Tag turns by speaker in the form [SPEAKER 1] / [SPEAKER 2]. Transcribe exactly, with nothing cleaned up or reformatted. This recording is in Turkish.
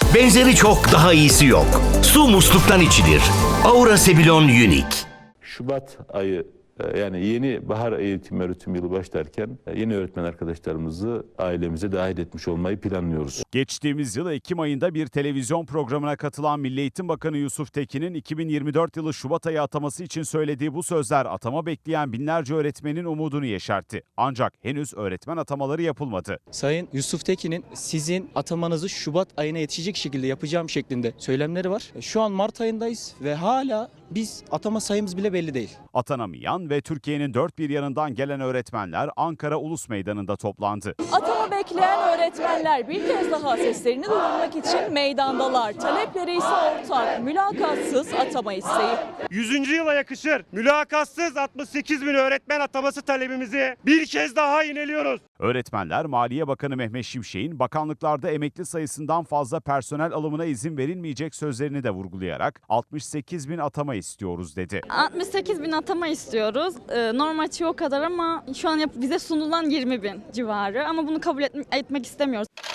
[SPEAKER 1] Benzeri çok, daha iyisi yok. Su musluktan içilir. Aura Sebilon Unique.
[SPEAKER 2] Şubat ayı, yani yeni bahar eğitim öğretim yılı başlarken yeni öğretmen arkadaşlarımızı ailemize dahil etmiş olmayı planlıyoruz.
[SPEAKER 3] Geçtiğimiz yıl Ekim ayında bir televizyon programına katılan Milli Eğitim Bakanı Yusuf Tekin'in iki bin yirmi dört yılı Şubat ayı ataması için söylediği bu sözler atama bekleyen binlerce öğretmenin umudunu yeşertti. Ancak henüz öğretmen atamaları yapılmadı.
[SPEAKER 4] Sayın Yusuf Tekin'in sizin atamanızı Şubat ayına yetişecek şekilde yapacağım şeklinde söylemleri var. Şu an Mart ayındayız ve hala biz atama sayımız bile belli değil.
[SPEAKER 3] Atanamayan ve Türkiye'nin dört bir yanından gelen öğretmenler Ankara Ulus Meydanı'nda toplandı.
[SPEAKER 5] Atama bekleyen öğretmenler bir kez daha seslerini duyurmak için meydandalar. Talepleri ise ortak, mülakatsız atama isteği.
[SPEAKER 6] yüzüncü yıla yakışır mülakatsız altmış sekiz bin öğretmen ataması talebimizi bir kez daha yineliyoruz.
[SPEAKER 3] Öğretmenler, Maliye Bakanı Mehmet Şimşek'in bakanlıklarda emekli sayısından fazla personel alımına izin verilmeyecek sözlerini de vurgulayarak altmış sekiz bin atama istiyoruz dedi.
[SPEAKER 7] altmış sekiz bin atama istiyoruz. Ee, normal o kadar ama şu an bize sunulan yirmi bin civarı ama bunu kabul et etmek istemiyoruz.